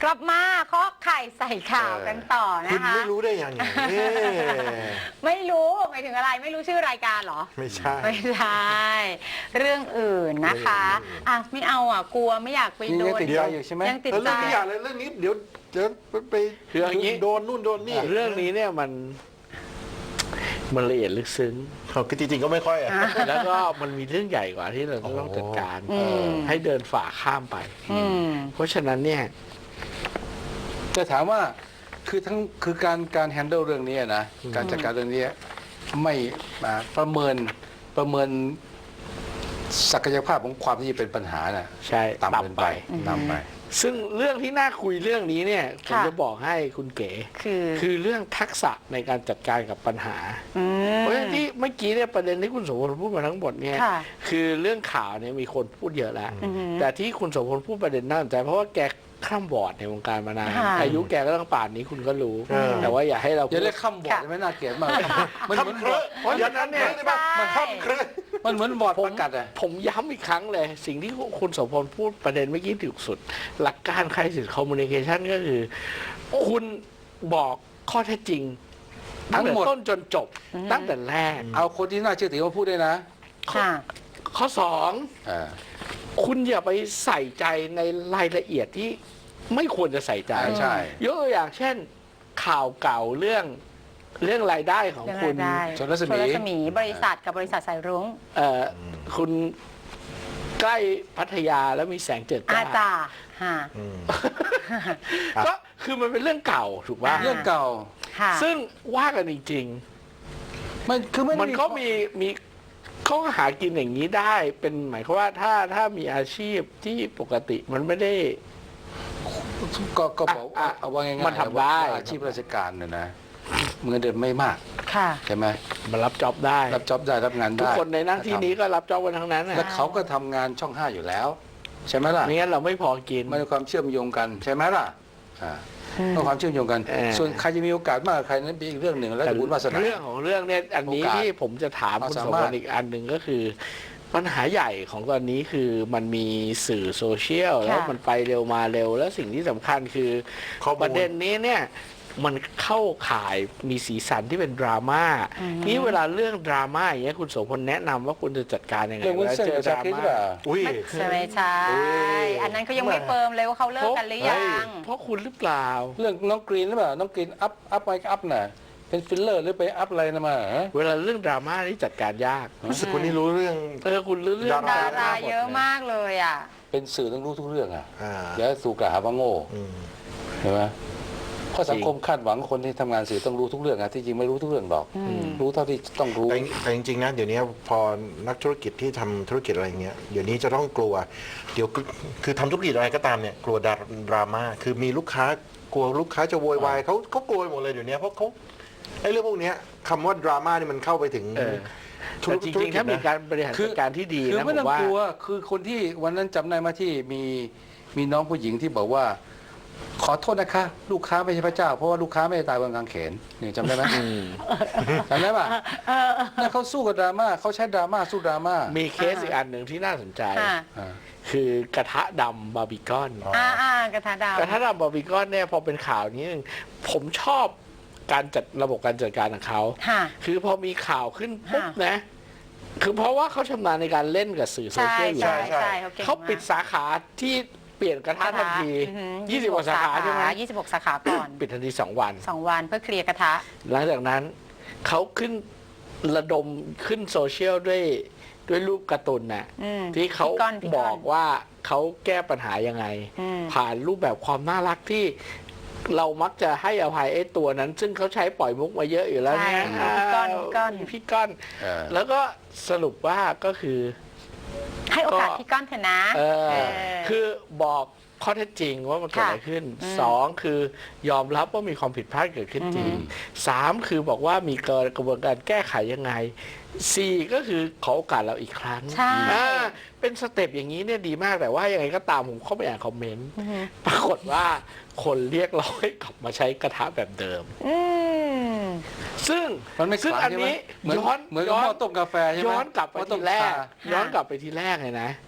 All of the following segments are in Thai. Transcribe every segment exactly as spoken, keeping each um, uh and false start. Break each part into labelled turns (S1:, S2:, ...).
S1: กลับมาเคาะไข่ใส่ข่าวกันต่อนะคะ
S2: คุณไม่รู้ได้ยังไง
S1: ไม่รู้หมายถึงอะไรไม่รู้ชื่อรายการเหรอ
S2: ไม่ใช่
S1: ไม่ใช่เรื่องอื่นนะคะอ่ะไม่เอาอ่ะกลัวไม่อยากไปโดน
S3: ยังติดใจอยู่ใช่ไหม
S1: ยังติด
S2: เออ
S1: ใจ
S2: เรื่องนี้อย่าเลยเรื่องนี้เดี๋ยวเดี๋ยวไป
S4: คืออย่างนี้
S2: โดนนู่นโดนนี่
S4: เรื่องนี้เนี่ยมันมันละเอียดลึกซึ้ง
S2: เขาคือจริงๆก็ไม่ค่อยอ่ะ
S4: แล้วก็มันมีเรื่องใหญ่กว่าที่เราต้องจัดการ
S1: อืม
S4: ให้เดินฝ่าข้ามไป
S1: อืม
S4: เพราะฉะนั้นเนี่ย
S3: จะถามว่าคือทั้งคือการการแฮนเดิลเรื่องนี้นะการจัดการเรื่องนี้ไม่อ่าประเมินประเมินศักยภาพของความที่จะเป็นปัญหาน่ะ
S4: ใช่
S3: ต่ำเกินไป
S1: อืม
S3: ต่ำไป
S4: ซึ่งเรื่องที่น่าคุยเรื่องนี้เนี่ยผม
S1: ค่ะ
S4: จะบอกให้คุณเก๋
S1: คือ
S4: คือเรื่องทักษะในการจัดการกับปัญหา
S1: ม
S4: เพราะฉะนั้นที่เมื่อกี้เนี่ยประเด็นที่คุณโสพลพูดมาทั้งหมดเนี่ย
S1: ค่ะ
S4: คือเรื่องข่าวเนี่ยมีคนพูดเยอะแล้ว
S1: อือหือ
S4: แต่ที่คุณโสพลพูดประเด็นน่าสนใจเพราะว่าแกข้ามบอร์ดในวงการมานาน
S1: ค่ะ
S4: อายุแกก็ต้องป่านนี้คุณก็รู้
S2: เออ
S4: แต่ว่าอย่าให้เรา
S3: อย่า
S4: พูด
S3: เรียกข้ามบอร์ดไม่น่าเกลียดมากมันเหมือนบอร์ด
S4: เพราะฉะนั้นเนี่ย
S1: ใช่
S2: มันข้ามเครื่อ
S3: มันเหมือนบอร์ด
S4: ผม
S3: ประกาศอะ
S4: ผมย้ำอีกครั้งเลย สิ่งที่คุณโสพลพูดประเด็นเมื่อกี้ถูกสุด หลักการ crisis communication ก็คือ คุณบอกข้อเท็จจริงตั้งแต่ต้นจนจบ ตั้งแต่แรก
S3: เอาคนที่น่าเชื่อถือมาพูดด้วยนะ
S1: ค่ะ
S4: ข้อสอง
S3: อ่า
S4: คุณอย่าไปใส่ใจในรายละเอียดที่ไม่ควรจะใส่ใจ
S3: ใช่ใช่
S4: ยกตัวอย่างเช่น ข่าวเก่าเรื่องเรื่องรายได้ของ
S1: เรื่อง
S4: คุ
S1: รา
S4: ณ
S1: ยได้
S3: ชนรัศมี
S1: ชนรัศมีบริษัทกับบริษัทสายรุ้ง
S4: เอ่อคุณใกล้พัทยาแล้วมีแสงเจิดจ้า
S1: อาจารย์ฮะ
S2: อืม
S4: ก็คือมันเป็นเรื่องเก่าถูกป่ะ
S1: อ่า
S3: เรื่องเก่า
S1: ค่ะ
S4: ซึ่งว่ากันจริง
S3: มันคือไม่
S4: ๆ
S3: ได้
S4: มันก็มีมีเขาก็หากินอย่างนี้ได้ เป็นหมายความว่าถ้าถ้ามีอาชีพที่ปกติมันไม่ได้
S3: ก็ก็บอก
S4: อ่ะ
S3: เอาว่าง่ายๆ
S4: มันทำได้
S3: ว่าอาชีพราชการเนี่ยนะเงินเดือนไม่มาก
S1: ค่ะ
S3: ใช่ไหม
S4: มันรับจ็อบได้
S3: รับจ็อบได้รับงาน
S4: ทุก
S3: ได้
S4: คนในหน้าที่นี้ก็รับจ็อบกันทั้งนั้นน่ะ
S3: แล้วเขาก็ทำงานช่องห้าอยู่แล้ว ใช่ไหมล่ะ
S4: ไม่งั้นเราไม่พอกิน
S3: มันมีความเชื่อมโยงกันใช่ไหมล่ะอ่า
S1: อืม
S3: ต้องความเชื่อมโยงกัน
S4: เออ
S3: ส่วนใครจะมีโอกาสมากกว่าใครนั้นเป็นอีกเรื่องหนึ่งแล้วแต่บุญวาสนา
S4: เรื่องของเรื่องเนี่ยอันนี้
S3: โอกาส
S4: ที่ผมจะถาม
S3: ความ
S4: คุณ
S3: สา
S4: สม
S3: มาร
S4: บั
S3: ถ
S4: ติอีกอันหนึ่งก็คือ ปัญหาใหญ่ของตอนนี้คือมันมีสื่อโซเชียลแล้วมันไปเร็วมาเร็ว แล้วสิ่งที่สำคัญคือ
S2: ข้อมูล
S4: ประเด็นนี้เนี่ยมันเข้าข่ายมีสีสันที่เป็นดราม่านี่เวลาเรื่องดราม่าอย่างเงี้ยคุณโสพลแนะนำว่าคุณจะจัดการยังไง
S3: เรื่องวุ้น
S4: วลา
S3: เส้น
S4: เจอ
S3: กับ
S4: ด
S3: ชา
S4: รา
S3: คริสหรือ
S4: ม่า
S3: เปล่า
S2: อุ้ย
S1: ใช่ไหมใช่
S2: อุ้ย
S1: อันนั้นเขายังไม่เฟิร์มเลยว่าเขาเลิกกันหรือยัง
S4: เพราะคุณหรือเปล่า
S3: เรื่องน้องกรีนหรือเปล่าน้องกรีนอัพอัพไปอัพน่ะเป็นฟิลเลอร์หรือไปอัพอะไรนะมาฮะ
S4: เวลาเรื่องดราม่านี่จัดการยาก
S2: รู้สึกคนนี้รู้เรื่อง
S4: เออคุณรู้เรื่อง
S1: ดาราเยอะมากเลยอ่ะ
S3: เป็นสื่อต้องรู้ทุกเรื่องอ่ะ
S2: อ่า
S3: อย่าถูกกล่าวหาว่าโง่
S2: อืม
S3: ใช่ไหมเพราะสังคมคาดหวังคนที่ทำงานสื่อต้องรู้ทุกเรื่องอะที่จริงไม่รู้ทุกเรื่องหรอก
S1: อืม
S3: รู้เท่าที่ต้องรู้
S2: แต่แต่จริงๆนะเดี๋ยวนี้พอนักธุรกิจที่ทำธุรกิจอะไรเงี้ยเดี๋ยวนี้จะต้องกลัว เดี๋ยวคือคือทำธุรกิจอะไรก็ตามเนี่ยกลัวดราดราม่าคือมีลูกค้ากลัวลูกค้าจะโวยวายเขาเขากลัวหมดเลยเดี๋ยวนี้เพราะเขาไอ้เรื่องพวกเนี้ยคำว่าดราม่านี่มันเข้าไปถึง
S4: เออ
S2: ธุ
S4: แต่
S2: ร
S4: จ
S2: ธุ
S4: ริงๆถ้ามี
S2: นะ
S4: การบริหาร
S3: คือ
S4: จัดการที่ดี
S3: คือ
S4: นะผ
S3: ไม่ต้อ
S4: ม
S3: ง
S4: ว่าก
S3: ลัวคือคนที่วันนั้นจำได้มาที่มีมีน้องผู้หญิงที่บอกว่า ขอโทษนะคะ ลูกค้าไม่ใช่พระเจ้า เพราะว่าลูกค้าไม่ได้ตายบนกางเขนนี่จำได้ไหม
S4: อืม
S3: จำได้ป่ะนั่นเขาสู้กับดราม่าเขาใช้ดราม่าสู้ดราม่า
S4: มีเคสอีกอันหนึ่งที่น่าสนใจ
S1: ค่ะ
S3: อ่า
S4: คือกระทะดำบาร์บีคอน
S2: อ๋อ
S1: อ่าอ่ากระทะดาว
S4: กระทะดำบาร์บีคอนเนี่ยพอเป็นข่าวนี้นึงผมชอบการจัดระบบการจัดการของเขา
S1: ค่ะ
S4: คือพอมีข่าวขึ้นปุ๊บ
S1: ค่ะ
S4: นะ คือเพราะว่าเขาชำนาญในการเล่นกับสื่อโซ
S1: ใช่
S4: เชียลอยู่
S1: ใช่
S4: แล้ว
S1: ใช่เขาเก่ง
S4: เขาปิด
S1: มาก
S4: สาขาที่เปลี่ยนกระทะทันที
S1: อือหือ
S4: ยี่สิบกว่าสาขาใช่ไหม
S1: ยี่สิบหกสาขาก่อน
S4: ปิดทันทีสองวัน
S1: สองวันเพื่อเคลียร์กระทะ
S4: หลังจากนั้นเขาขึ้นระดมขึ้นโซเชียลด้วยด้วยรูปการ์ตูนน่ะ
S1: อืม
S4: ที่เขา
S1: พี่ก้อนพี่ก้อน
S4: บอกว่าเขาแก้ปัญหายังไง
S1: อืม
S4: ผ่านรูปแบบความน่ารักที่เรามักจะให้อภัยไอ้ตัวนั้น ซึ่งเขาใช้ปล่อยมุกมาเยอะอยู่แล้วเนี่ย
S1: ใช่พี่ก้อนพี่ก้อน
S4: พี่ก้อน
S3: เออ
S4: แล้วก็สรุปว่าก็คือ
S1: ให้โอกาส
S4: ก็
S1: พี่ก้อนเถอะนะ
S4: เออ
S1: เออ
S4: คือบอกข้อเท็จจริงว่ามันเกิดอะไรขึ้น
S1: อืม
S4: สองคือยอมรับว่ามีความผิดพลาดเกิดขึ้นจริง
S1: อืม
S4: สามคือบอกว่ามีกระบวนการแก้ไขยังไงสี่ก็คือขอโอกาสเราอีกครั้ง
S1: ใช่
S4: อ่าเป็นสเต็ปอย่างนี้เนี่ยดีมากแต่ว่ายังไงก็ตามผมเข้าไปอ่านคอมเมนต์
S1: อือหือ
S4: ปรากฏว่าคนเรียกร้องให้กลับมาใช้กระทะแบบเดิม
S1: อืม
S4: ซึ่ง
S3: มันไม่
S4: ซึ่ง
S3: ขลัง
S4: อัน
S3: ใช่ไหม
S4: นี้
S3: เหมือน
S4: ย้อน
S3: เหมือนกับ
S4: ย้อ
S3: หม้
S4: น
S3: อต้มกาแฟใช่ไหม
S4: ย้อนกลับไป
S3: หม้อต้
S4: ที
S3: ม
S4: แรก
S3: ชา
S4: ย้อนกลับไปทีแรกเลยนะ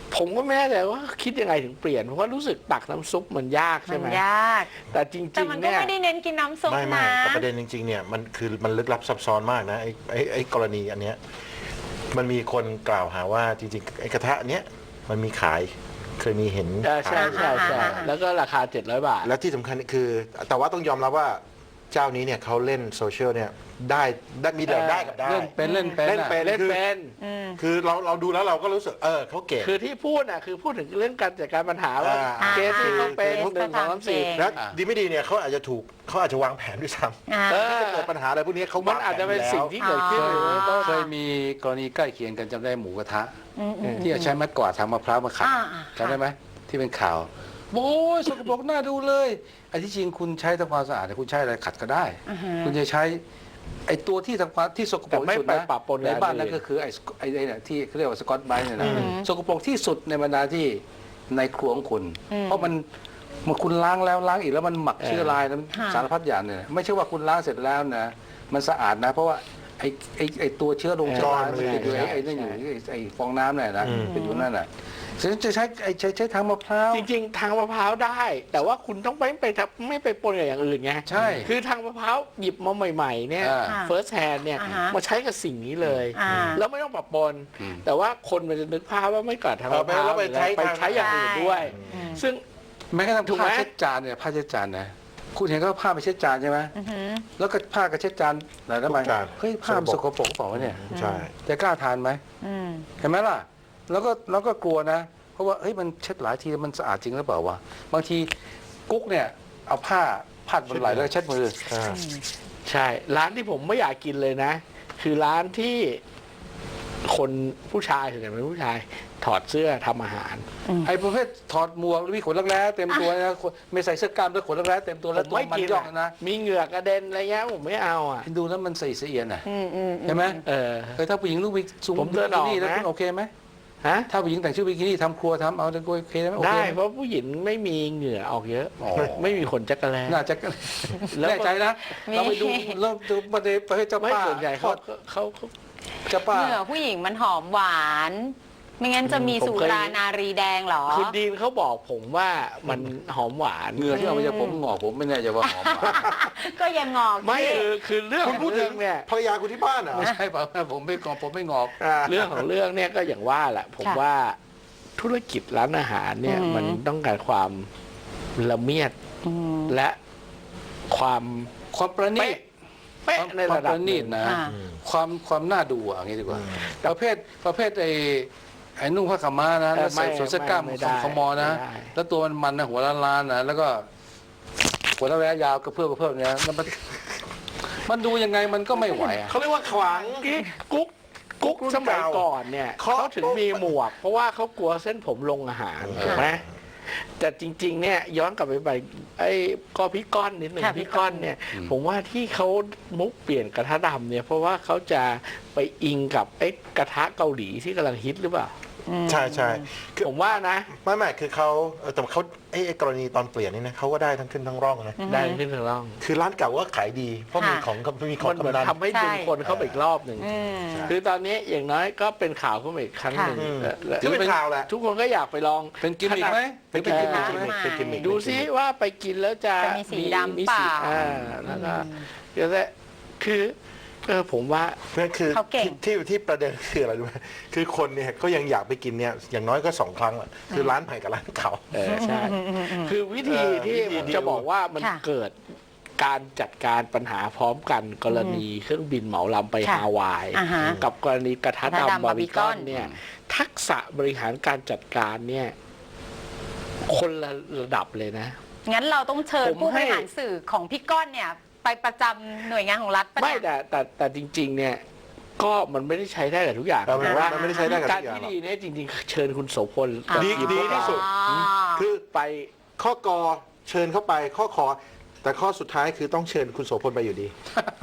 S4: ผมก็ไม่แน่ใจว่าคิดยังไงถึงเปลี่ยนเพราะว่ารู้สึกตักน้ำซุปมันยาก
S1: มั
S4: ใช่
S1: น
S4: ไหม
S1: ยาก
S4: แต่จ
S1: แต่
S4: ริง
S1: มัน
S4: ๆ
S1: ก็
S4: เนี่ย
S1: ไม่ได้เน้นกินน้ำซุป
S2: ไม่ไม่
S1: นะ
S2: แต่ประเด็นจริงๆเนี่ยมันคือมันลึกลับซับซ้อนมากนะไอ้ไอ้ไอ้กรณีอันเนี้ยมันมีคนกล่าวหาว่าจริงๆไอ้กระทะเนี้ยมันมีขายเคยมีเห็น
S4: เออใช่
S2: ขาย
S4: ใช่ใช่
S1: อ่า
S4: แล้วก็ราคาเจ็ดร้อยบาท
S2: และที่สำคัญคือ แต่ว่าต้องยอมรับว่าเจ้านี้เนี่ยเขาเล่นโซเชียลเนี่ยได้ได้มีแต่
S4: เออ
S2: ได้กับได้
S3: เล่นเป็นเล่นเป็น
S2: เล่น
S3: อะ
S2: เป็น
S4: เล่น
S2: คือ
S4: เป็น
S1: อืม
S2: คือเราเราดูแล้วเราก็รู้สึกเออเขาเก่ง
S4: คือที่พูดน่ะคือพูดถึงเรื่องการจัดการปัญหาว่า
S2: อ่า
S4: เคสที่เขาเป็น
S1: อ่า
S4: หนึ่งสองสามสี่
S1: เก่ง
S2: แล้วดีไม่ดีเนี่ยเขาอาจจะถูกเขาอาจจะวางแผนด้วยซ้
S1: อ่า
S4: เอ
S2: ำ
S4: อ
S2: ถ้าเกิดปัญหาอะไรพวกนี้เขา
S4: มั
S2: มัน
S4: อาจจะเป็นสิ่งที่เกิดขึ้น
S1: อ๋อ
S4: หรือต้น
S3: เคยมีกรณีใกล้เคียงกันจำได้หมูกระทะ
S1: อืมอืม
S3: ที่ใช้ไม้กวาดทางมะพร้าวมาขัด
S1: อ่าอ่า
S3: จำได้ไหมที่เป็นข่าวโอ้ยสกปรกน่าดูเลยไอ้ที่จริงคุณใช้ทำความสะอาดเนี่ยคุณใช้อะไรขัดก็ได้
S1: อ่าฮะ
S3: คุณจะใช้ไอ้ตัวที่ทำความที่สกปรก
S4: แต่ไม่
S3: ที่สุด
S4: ไป
S3: นะ
S4: ปะปนกับ
S3: ในบ้าน
S4: อันอื่น
S3: นั่นก็คือไอ้สกไอ้ไอ้เนี่ยที่เขาเรียกว่าสกอตไบรท์เนี่ยนะ
S1: อืม
S3: สกปรกที่สุดในบรรดาที่ในครัวของคุณ
S1: อืม
S3: เพราะมันเมื่อคุณล้างแล้วล้างอีกแล้วมันหมัก
S4: เออ
S3: เชื้อราแล้ว
S1: ค่ะ
S3: สารพัดอย่างเนี่ยไม่ใช่ว่าคุณล้างเสร็จแล้วนะมันสะอาดนะ เพราะว่าไอ้ไอ้ไอ้ตัวเชื้อลงเชื้อรามันติดอยู่ไอ้ไอ้นั่นอยู่ไอ้ไอ้ฟองน้ำเนี่ยนะเป็นอยู่นั่นน่ะฉันจะใช้ไอ้ใช้ใช้ทางมะพร้าว
S4: จริงๆ ทางมะพร้าวได้ แต่ว่าคุณต้องไม่ไปทำไม่ไปปนกับอย่างอื่นไง
S3: ใช่
S4: คือทางมะพร้าวหยิบมาใหม่ๆเนี่ย
S3: อ่า
S1: ค่ะ
S4: first hand เนี่ย
S1: อ่าฮะ
S4: มาใช้กับสิ่งนี้เลย
S1: อ่า
S4: แล้วไม่ต้องปะปน
S3: อืม
S4: แต่ว่าคนมันจะนึกภาพว่าไม่กัดทางมะพร้าว
S2: แล้วไปใช้
S4: ไปใช้อย่างอื่นด้วย
S1: อืม
S4: ซึ่ง
S3: แม้กระทั่ง
S4: ถูกไหม
S3: ผ้าเช็ดจานเนี่ยผ้าเช็ดจานนะคุณเห็นก็ผ้าไปเช็ดจานใช่ไหม
S1: อือหือ
S3: แล้วก็ผ้ากระเช็ดจานไหนทำไม
S2: ทุกจาน
S3: เฮ้ยผ้ามันสกปรกเปล่าวะเนี่ย
S2: ใช่
S3: จะกล้าทานไหม
S1: อืม
S3: เห็นไหมล่ะ แล้วก็แล้วก็กลัวนะ เพราะว่าเฮ้ยมันเช็ดหลายทีมันสะอาดจริงหรือเปล่าวะบางทีกุ๊กเนี่ยเอาผ้าพาดบนไหล่แล้วก็เช็ดมือ
S2: อ่า
S4: ใช่ ร้านที่ผมไม่อยากกินเลยนะ คือร้านที่คนผู้ชายส่วนใหญ่เป็นผู้ชายถอดเสื้อทำอาหาร
S3: ไอ้ประเภทถอดหมวกแล้วมีขนรักแร้เต็มตัวนะคนไม่ใส่เสื้อกล้ามด้วยขนรักแร้เต็มตัว
S4: ผ
S3: แล้ว
S4: ม
S3: ตัว
S4: ไม่
S3: มัน
S4: กิน
S3: ย่อง
S4: อะ
S3: นะ
S4: มีเหงื่อกระเด็นอะไรเงี้ยผมไม่เอาอ่ะ
S3: ดูแล้วมันใส่เสียนอ่ะ
S1: อืมอืม
S3: ใช่ไหม
S4: เออ
S3: เออถ้าผู้หญิงลูกบิซู
S4: ผมเดินออก
S3: นี่แล้ว
S4: นะ
S3: คุณโอเคไหม
S4: ฮะ
S3: ถ้าผู้หญิงแต่งชุดบิกินี่ทำครัวทำเอาจะโอเคไหมโอเค
S4: ได้
S3: ไหม
S4: เพราะผู้หญิงไม่มีเหงื่อออกเยอะ
S3: อ๋อ
S4: ไม่มีขนจักรแล
S3: น่าจะ
S4: แล้ว
S3: แน่ใจนะ เราไปดูเริ่มดูประเด็นประเภทเจ้า
S4: ไม่
S3: ป้า
S4: ส่วนใหญ่เขาเขาเขา
S3: เจ้าป้า
S1: เหงื่อผู้หญิงมันหอมหวาน ไม่งั้นจะมี
S4: ผม
S1: สุ
S4: เคย
S1: รานารีแดงเหรอ
S4: คุณดีนเขาบอกผมว่ามันหอมหวาน
S3: เหงื่อที่เอามาจากผมงอกผมไม่แน่ใจว่าหอมหวาน
S1: ก็ยังงอก
S4: ไม่
S1: สิ
S4: คือคือเรื่อง
S2: คุณพูดถึง
S4: เรื่องเนี่ย
S2: ภรรยาคุณที่บ้านเหรอ
S3: ไม่ใช่เปล่าผมไม่งอกผมไม่งอก
S2: อ่า
S4: เรื่องของเรื่องเนี่ยก็อย่างว่าแหละ ผมว่าธุรกิจร้านอาหารเนี่ย
S1: อืม
S4: มันต้องการความละเมียด
S1: อืม
S4: และความ
S3: ความประณีต
S4: เป๊ะใน
S3: ความ
S4: ระดับ
S3: ประณีตนะ
S1: อ่า
S3: ความความน่าดูอ่ะอย่างนี้ดีกว่า
S2: อืม
S3: ประเภทประเภทไอ้ไอ้นุ่งผ้าขาวม้านะแล้วใส่สวมเสื้อกล้าม
S4: ไม่
S3: ข
S4: ได้
S3: องขมอนะ
S4: ไม่ได้
S3: แล้วตัวมันมันนะหัวล้านๆนะแล้วก็หัวระยะยาวกระเพื่อมกระเพื่อมเนี่ยแล้วมันมันดูยังไงมันก็ไม่ไหวอ่ะ
S2: เขาเรียกว่าขวาง
S4: กิ๊กกุ๊กกุ๊ก
S2: รุ่น
S4: สมัย
S2: เก่า
S4: ก่อนเนี่ย
S2: เคาะ
S4: เขาถึงมีหมวก เพราะว่าเขากลัวเส้นผมลงอาหาร
S2: เออ
S4: ถูกไหมแต่จริง ๆ เนี่ยย้อนกลับไปไปไอ้ก็พี่ก้อนนิดหนึ่ง
S1: ค่ะพี่
S4: พี่
S1: ก้
S4: ก้
S1: อ
S4: อน นเนี่ย ผมว่าที่เขามุกเปลี่ยนกระทะดำเนี่ยเพราะว่าเขาจะไปอิงกับไอ้กระทะเกาหลีที่กำลังฮิตหรือเปล่า
S2: ใช่ใช่คือ
S4: ผมว่านะ
S2: ไม่ไม่คือเขาเออแต่เขาไอ้ไอ้กรณีตอนเปลี่ยนนี่นะเขาก็ได้ทั้งขึ้นทั้งร่องนะ
S4: ได้ขึ้นถึงร่อง
S2: คือร้านเก่าก็ขายดี เพราะมี
S1: ค่ะ
S2: ของมีของ
S4: มันเหมือน
S2: กำนัน
S4: ทำให้ดึงคนเข้าไปอีกรอบหนึ่ง
S1: อืม
S4: คือตอนนี้อย่างน้อยก็เป็นข่าวขึ้นมาอีกครั้งหนึ่ง
S2: อืม
S4: และและ
S2: ถือเป็นข่าวแหละ
S4: ทุกคนก็อยากไปลอง
S3: เป็นกิมมิกไหม
S2: เป็นกิมมิค
S1: เป็น
S2: เป็นกิมมิคเป็นกิมมิค
S4: ดูซิว่าไปกินแล้วจะ
S1: จะมีสีดำ
S4: มี
S1: เปล่า
S4: อ่าแล้วก็เดี๋ยวจะคือเออผมว่า
S2: นั่นคือ
S1: เขาเก่ง
S2: ที่ที่ที่ประเด็นคืออะไรรู้ไหมคือคนเนี่ยก็ยังอยากไปกินเนี่ยอย่างน้อยก็สองครั้งอะคือร้านใหม่กับร้านเก่า
S4: เออใช่ คือวิธี
S2: เออ
S4: ที่
S2: วิธี
S4: ผม
S2: เดียว
S4: จะบอกว่ามัน
S1: ค่ะ
S4: เกิดการจัดการปัญหาพร้อมกันกรณีเครื่องบินเหมาลำไป
S1: ค่ะ
S4: ฮาวาย
S1: อ่าฮะ
S4: กับกรณีกระทะ
S1: กระทะดำ
S4: ดำบาร์บีคอน
S1: Barbecue
S4: เนี่ย ทักษะบริหารการจัดการเนี่ย คนละระดับเลยนะ
S1: งั้นเราต้องเชิญ
S4: ผม
S1: ผู้บ
S4: ให้
S1: ริหารสื่อของพี่ก้อนเนี่ย ไปประจำหน่วยงานของรัฐปะ
S4: ไม่
S1: เนี่ย
S4: แต่แต่แต่จริง ๆ เนี่ย ก็มันไม่ได้ใช้ได้กับทุกอย่าง
S2: เออมัน
S4: แต่ว่า
S2: มันไม่ได้ใช้ได้กับ
S4: การ
S2: ทุกอย่าง
S4: ที่
S2: หรอก
S4: ดีเนี่ยจริง ๆ เชิญคุณโสพล
S1: อ่า
S2: ดีดีที่สุด
S1: อ๋อ
S2: คือ
S4: ไป
S2: ข้อกอเชิญเข้าไปข้อขอ แต่ข้อสุดท้ายคือต้องเชิญคุณโสพลไปอยู่ดี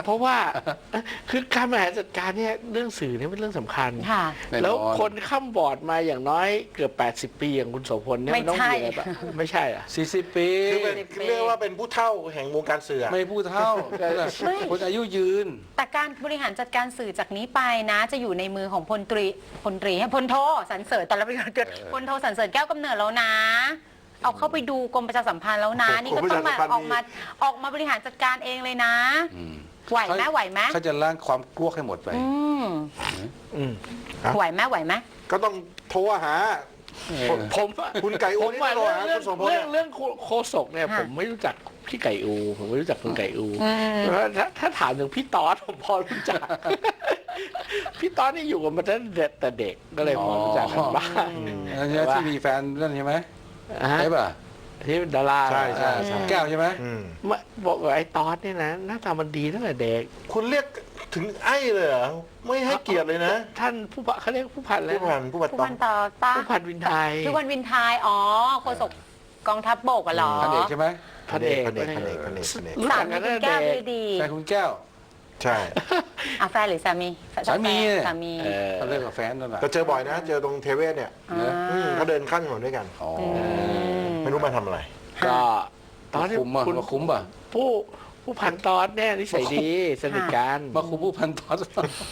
S4: เพราะว่าคือการบริหารจัดการเนี่ยเรื่องสื่อเนี่ยเป็นเรื่องสำคัญ
S1: ค่ะ
S3: แน่นอน
S4: แล้วคนข้ามบอร์ดมาอย่างน้อยเกือบแปดสิบปีอย่างคุณโสพลเนี่ยมันต้องมีอะไรแบบไม่ใช่อะ
S3: สี่สิบปี
S2: คือเป็นเรียกว่าเป็นผู้เฒ่าแห่งวงการสื่อ
S3: ไม่พูดเท่า
S1: ไม่
S3: คนอายุยืน
S1: แต่การบริหารจัดการสื่อจากนี้ไปนะ จะอยู่ในมือของพลตรีพลตรีให้พลโทสรรเสริญตอนรับเกิดพลโทสรรเสริญแก้วกำเนิดแล้วนะ เอาเข้าไปดูกรมประชาสัมพันธ์แล้วนะ นี่ก็ต้องมาออกมาออกมาบริหารจัดการเองเลยนะ ไหวไหมไหวไหม
S3: เขาจะล้างความกลัวให้หมดไป
S1: อืม
S4: อืม
S1: ไหวไหมไหวไหม
S2: ก็ต้องโทรหา
S4: ผมผมอะ
S2: คุณไก่อู
S4: ผมว่า
S2: นี่
S4: เรื่อง
S2: โทรหาคุณโสพล
S4: เรื่อง
S2: เนี่ย
S4: เรื่องโคศกเนี่ย
S1: ค่ะ
S4: ผมไม่รู้จักพี่ไก่อู ผมไม่รู้จักคุณไก่อู
S1: อืม
S4: เพราะถ้าถ้าถามถึงพี่ตอสผมพอรู้จัก พี่ตอสนี่อยู่กับมาตั้งแต่เด็กก็เลยพอรู้จักกันบ้าง
S3: อันนี้ที่มีแฟนนั่นใช่ไหม
S4: อ่าฮะ
S3: ใช่ป่ะ
S4: ที่เป็นดารา
S2: ใช่ใช่ใช่
S3: แก้วใช่ไหม
S2: อืม
S4: มาบอกว่าไอ้ตอสเนี่ยนะหน้าตามันดีตั้งแต่เด็ก
S2: คุณเรียกถึงไอ้เลยเหรอไม่ให้เกียรติเลยนะ
S4: ท่านผู้พันเขาเรียกผู้พันแล้ว
S2: ผู้พันผู้พัน
S1: ผู้
S2: ต้อ
S1: พั
S2: ง
S1: นต่อป้า
S4: ผู้พันวินไทย
S1: ผู้พันวินไทยอ๋อโฆษกกองทัพบกอะเหรอ
S3: พันเอกใช่ไหม
S4: พันเอก
S2: พันเอกพันเอกพันเอกพันเอก
S4: รู้
S1: สา
S4: จัก
S1: มี
S4: กัน
S1: คุ
S4: ตั้
S1: ณ
S4: งแต่
S1: แก้ว
S4: เด็
S1: เล
S4: ก
S1: ยดี
S3: แฟนคุณแก้ว
S2: ใช่
S1: อ่ะแฟนหรือสามี
S3: สามีเนี่ย
S1: สามี
S4: เออ
S3: เขาเลิกกับแฟนนั่นแหละ
S2: แต่เจอบ่อยนะ เจอตรงเทเวศเนี่ย
S1: อ่า
S2: อืมเขาเดินข้ามถนนด้วยกัน
S3: อ๋อ
S2: ไม่รู้มาทำอะไร
S4: ก็ตอนที่
S3: คุ้มอ่ะ
S4: คุณ
S3: มาคุ้มป่ะ
S4: ผู้ผู้พันตอนเนี่ยนิสัยดีสนิทกัน
S3: มาคุ้มผู้พันตอน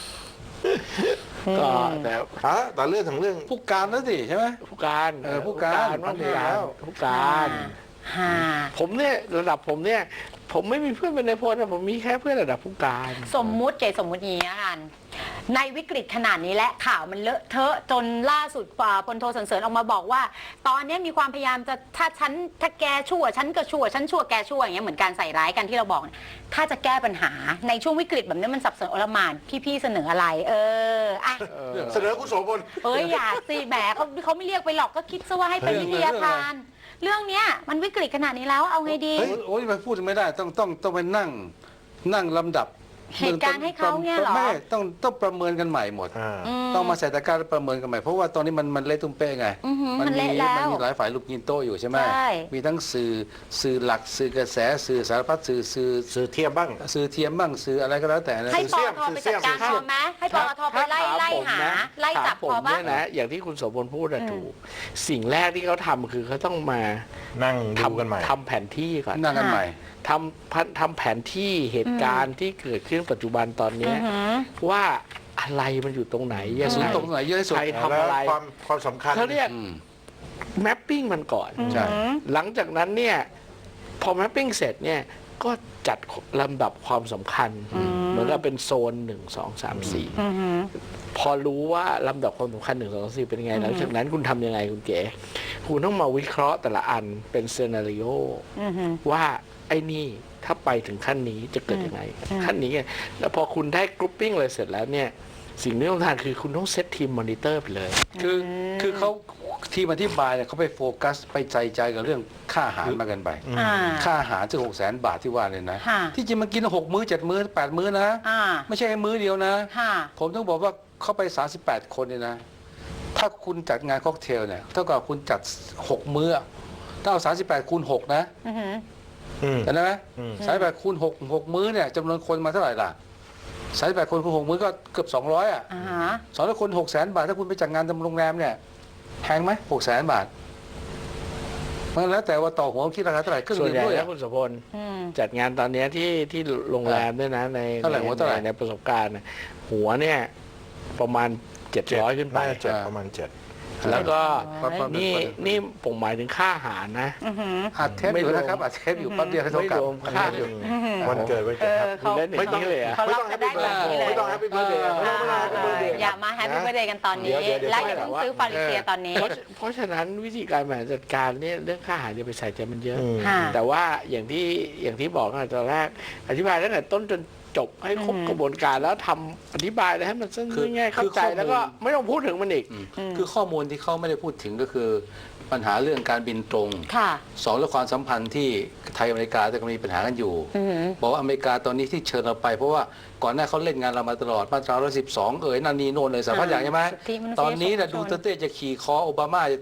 S4: ก็แต่
S2: ฮะแต่เรื่องถึงเรื่อง
S3: ผู้การนั่นสิใช่ไหม
S4: ผู้การ
S3: เออผู้การ
S4: ว่าผู้
S3: ผู้
S4: กา
S3: การ ร
S4: ผู้การ
S1: ฮ่า
S4: ผมเนี่ยระดับผมเนี่ย ผมไม่มีเพื่อนเป็นนายพลนะผมมีแค่เพื่อนระดับผู้การ
S1: สมมุติเจสมมุติอย่างนี้ละกัน ในวิกฤตขนาดนี้และข่าวมันเลอะเทอะจนล่าสุดป่าพลโทสรรเสริญออกมาบอกว่า ตอนนี้มีความพยายามจะถ้าฉันถ้าแกชั่วฉันก็ชั่วฉันชั่วแกชั่วอย่างเงี้ยเหมือนการใส่ร้ายกันที่เราบอก ถ้าจะแก้ปัญหาในช่วงวิกฤตแบบนี้มันสับสนโอลหม่านพี่ๆเสนออะไร เอออ่ะ
S2: เสนอคุณโสพล
S1: เอ้ยอย่าสิแหมเขาเขาไม่เรียกไปหรอกก็คิดซะว่าให้เป็นวิทยาทาน เรื่องเนี้ยมันวิกฤตขนาดนี้แล้วเอาไงดี
S3: โอ้ยโอ้ยไปพูดไม่ได้ต้องต้องต้องไปนั่งนั่งลำดับ
S1: เหตุการณ์ให้เขาเนี่ยเหรอ
S3: ไม่ต้องต้องประเมินกันใหม่หมด
S2: อ่า
S1: ม
S3: ต้องมาใส่ตะกร้าแล้วประเมินกันใหม่เพราะว่าตอนนี้มันมันเละตุ้มเป้งไง
S1: อือหือ
S3: มั
S1: มัน
S3: มี
S1: เละแล้ว
S3: มันมีหลายฝ่ายลูกยินโตอยู่ใช่ไหม
S1: ใช่
S3: มีทั้งสื่อสื่อหลักสื่อกระแสสื่อสารพัดสื่อสื่อ
S2: สื่อเทียมบ้าง
S3: สื่อเทียมบ้างสื่ออะไรก็แล้วแต่นะ
S1: ให้ป
S2: สื่
S1: อ
S2: อ
S1: ท
S2: เสี่
S1: ไป
S2: ยม
S1: จัดการ
S2: สื่
S1: พ
S2: อ
S1: อ
S2: เสี่ยม
S1: ไหมให้ปอทไปไล่ไล่หาไล่จับ
S4: ผม
S1: พอปะ
S4: เนี่ยนะอย่างที่คุณโสพลพูดอะถูก สิ่งแรกที่เขาทำคือเขาต้องมา
S2: นั่งดู
S4: ทำ
S2: กันใหม่
S4: ทำแผนที่ก่อน
S3: นั่งกันใหม่
S4: ทำพันทำแผนที่เหตุการณ์ที่เกิดขึ้นปัจจุบันตอนเนี้ย
S1: อือหือ
S4: ว่าอะไรมันอยู่ตรงไหนยัง
S3: ศูน
S4: ไง
S3: ย์ตรงไหนเยอะที่สุด
S4: ใครทำอะไร
S2: แล้วความความสำคัญ
S4: เขาเรียก
S3: อืม
S4: แมปปิ้งมันก่อน
S3: ใช่
S4: หลังจากนั้นเนี่ยพอแมปปิ้งเสร็จเนี่ยก็จัดลำดับความสำคัญ เหมือนกับเป็นโซนหนึ่งสองสามสี่
S1: อือหือ
S4: พอรู้ว่าลำดับความสำคัญหนึ่งสองสี่เป็นยังไง หลังจากนั้นคุณทำยังไงคุณเก๋คุณต้องมาวิเคราะห์แต่ละอันเป็นซีนารีโอ
S1: อือหือ
S4: ว่าไอ้นี่ถ้าไปถึงขั้นนี้จะเกิดยังไง
S1: อืม
S4: ขั้นนี้ไงแล้วพอคุณได้กรุ๊ปปิ้งเลยเสร็จแล้วเนี่ยสิ่งที่ต้องทำคือคุณต้องเซตทีมมอนิเตอร์ไปเลย
S3: คือคือเขาทีมอธิบายเนี่ยเขาไปโฟกัสไปใจใจกับเรื่องค่าอาหารมากันไป
S1: อ่า
S3: ค่าอาหารจะหกแสนบาทที่ว่าเนี่ยนะ
S1: ค่ะ
S3: ที่จริงมันกินหกมื้อเจ็ดมื้อแปดมื้อนะ
S1: อ่า
S3: ไม่ใช่มื้อเดียวนะ
S1: ค่ะ
S3: ผมต้องบอกว่าเข้าไปสามสิบแปดคนเนี่ยนะ ถ้าคุณจัดงานค็อกเทลเนี่ยเท่ากับคุณจัดหกมื้อถ้าเอาสามสิบแปดคูณหกนะ
S1: อือหือ
S2: อืม
S3: เห็นไหม
S2: อืม
S3: สามสิบแปดคูณหกหกมื้อเนี่ยจำนวนคนมาเท่าไหร่ล่ะสามสิบแปดคนคูณหกมื้อก็เกือบสองร้อยอ่ะ
S1: อ่าฮะ
S3: สองร้อยคนหกแสนบาทถ้าคุณไปจัดงานตามโรงแรมเนี่ยแพงไหมหกแสนบาทมันแล้วแต่ว่าต่อหัวคิดราคาเท่าไหร่เครื่อง
S4: ส่วน
S3: ดื่ม
S4: ใหญ่
S3: ด้วย
S4: แล้
S3: อะ
S4: วคุณโสพล
S1: อืม
S4: จัดงานตอนเนี้ยที่ที่โรงแรมด้วยนะใน
S3: เท่าไหร่หัวเท่าไหร่
S4: ในในประสบการณ์น่ะหัวเนี่ยประมาณเจ็ดร้อยขึ้นไป
S2: น่าจะเจ็ดประมาณเจ็ด
S4: แล้วก็
S3: ประมาณ
S4: นี่นี่ผมหมายถึงค่าอาหารนะ
S1: อือหือ
S3: อัดเทปอยู่นะครับอัดเทปอยู่แป๊บเดียวให้โทร
S4: ไม่
S3: กลับ
S4: รวมค่า
S2: อืมวันเกิดวัน
S1: เอ
S2: เกิดค
S1: อ
S2: รับ
S1: เขา
S4: ไม่ต้องเลยอะ
S1: เขารับกันได้แบบนี้เลย
S2: ไม่ต้องแฮปปี้เบิร์ดเดย์ไม่ต้องไม่ต้องแฮปปี้เบิร์ดเดย์
S1: อย่ามาแฮปปี้เบ t ร์ a เดย์กันตอนนี้
S2: เดี๋ยวเดี๋ยว
S1: และอย่าเพิ่งซื้อฟาริเซียตอนนี้
S4: เพราะเพราะฉะนั้นวิธีการบริหารจัดการเนี่ยเรื่องค่าอาหารจะไปใส่ใจมันเยอะ
S2: อืม
S1: ค่ะ
S4: แต่ว่าอย่างที่อย่างที่บอกตั้งแต่ตอนแรกอธิบายตั้งแต่ต้นจนจบให้ครบ
S1: อืม
S4: กระบวนการแล้วทำอธิบายแล้วให้มันสั้น
S3: คือ
S4: ง่ายๆเข้าใจ
S3: คือข้อมูล
S4: แล้วก็ไม่ต้องพูดถึงมันอีก
S3: อืมคือข้อมูลที่เขาไม่ได้พูดถึงก็คือปัญหาเรื่องการบินตรง
S1: ค่ะ
S3: สองเรื่องความสัมพันธ์ที่ไทยอเมริกาจะมีปัญหากันอยู่
S1: อือหือ
S3: บอกว่าอเมริกาตอนนี้ที่เชิญเราไปเพราะว่าก่อนหน้าเขาเล่นงานเรามาตลอดมาตราร้อยสิบสองเอ๋ยนันนีโนนเลยสารพัดอย่างใช่ไหม
S1: สิทธิมนุษยชน
S3: ตอนนี้นะดูเตอร์เต้จะขี่คอโอบามา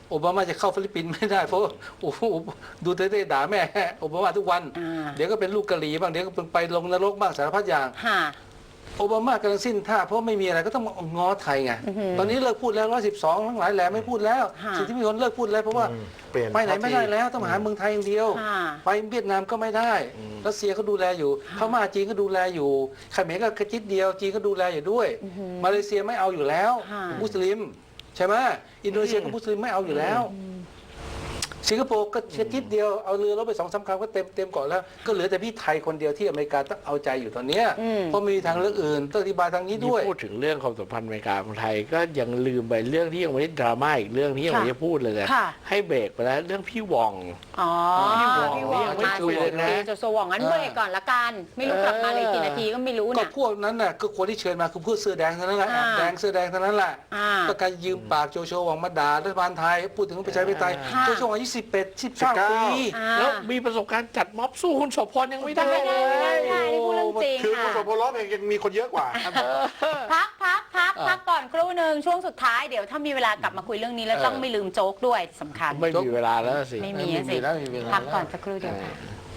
S3: โอบามาจะเข้าฟิลิปปินส์ไม่ได้เพราะโอ้โหดูเต้ๆด่าแม่โอบามาทุกวัน
S1: อ่า
S3: เดี๋ยวก็เป็นลูกกะหรี่บ้างเดี๋ยวก็เป็นไปลงนรกบ้างสารพัดอย่าง
S1: ค่ะ
S3: โอบามากำลังสิ้นท่าเพราะไม่มีอะไรก็ต้องมาง้อไทยไง
S1: อือหือ
S3: ตอนนี้เลิกพูดแล้วร้อยสิบสองทั้งหลายแหล่ไม่พูดแล้ว
S1: ค่ะ
S3: สิ่งที่มีคนเลิกพูดแล้วเพราะว่า
S2: อืมเปลี่ยน
S3: ไปไหนไม่ได้แล้วต้องมาหาเมืองไทยอย่างเดียว
S1: ค่ะ
S3: ไปเวียดนามก็ไม่ได้รัสเซียก็ดูแลอยู่พม่าจีนก็ดูแลอยู่เขมรก็กระจิตเดียวจีนก็ดูแลอยู่ด้วย มาเลเซียไม่เอาอยู่แล้ว
S1: ค่ะ
S3: มุสลิมใช่ไหมอินโดนีเซียก็มุสลิมไม่เอาอยู่แล้ว สิงคโปร์ก็แค่ทิศเดียวเอาเรือรบไปสองสามครั้งก็เต็มเต็มเกาะแล้วก็เหลือแต่พี่ไทยคนเดียวที่อเมริกาต้องเอาใจอยู่ตอนเนี้ย
S1: อืม
S3: เพราะไม่มีทางเลือกอื่นต้องอธิบายทางนี้
S4: นี่
S3: ด้วย
S4: พูดถึงเรื่องความสัมพันธ์อเมริกากับไทยก็ยังลืมไปเรื่องที่ยังไม่ได้ดราม่าอีกเรื่องที่ยังไม่ได้พูดเลยนะ
S1: ค่ะ
S4: ให้เบรกไปแล้วเรื่องพี่วอง
S1: อ๋อ
S4: พี่หว่อง
S1: พี่หว่อง
S4: ยังไม่
S1: มา
S4: คุยเลยนะ
S1: โจโซหว่องงั้นเบรกก่อนละกัน ไม่รู้กลับมาเลยกี่นาทีก็ไม่รู้
S3: ก็
S1: เนี่ย
S3: พวกนั้นน่ะก็คนที่เชิญมาคือพวกเสื้อแดงเท่านั้นแหละ
S1: อ่า
S3: แดงเสื้อแดงเท่านั้นแหละ
S1: อ่า
S3: ก็การยืมปากโจโฉหวังมาด่ารัฐบาลไทยพูดถึงประชาธิปไตย
S1: ค่ะ
S3: โจโฉอายุสิบแปดสิบเก้าปี
S1: อ่า
S4: แล้วมีประสบการณ์จัดม็อบสู้คุณโสพรยังไม่ได้
S1: ไม่ได้ไม่ได้ไม่ได้นี่พูดเรื่องจริง
S2: คือคุณ
S1: ค่ะ
S2: สมพลร้องเพลงยังมีคนเยอะกว่า
S1: พักพักพัก
S3: อ่า
S1: พักก่อนครู่หนึ่งช่วงสุดท้ายเดี๋ยวถ้ามีเวลากลับมาคุยเรื่องนี้แล้ว
S3: เออ
S1: ต้องไม่ลืมโจ๊กด้วยสำคัญ
S4: ไม่มีเวลาแล้วสิ
S1: ไม่มี
S3: ไม่มี
S1: สิ
S3: แล้วไม่มีเวลา
S1: พักก่อน
S3: แล้ว
S1: สักครู่เดียวค่ะ
S4: เ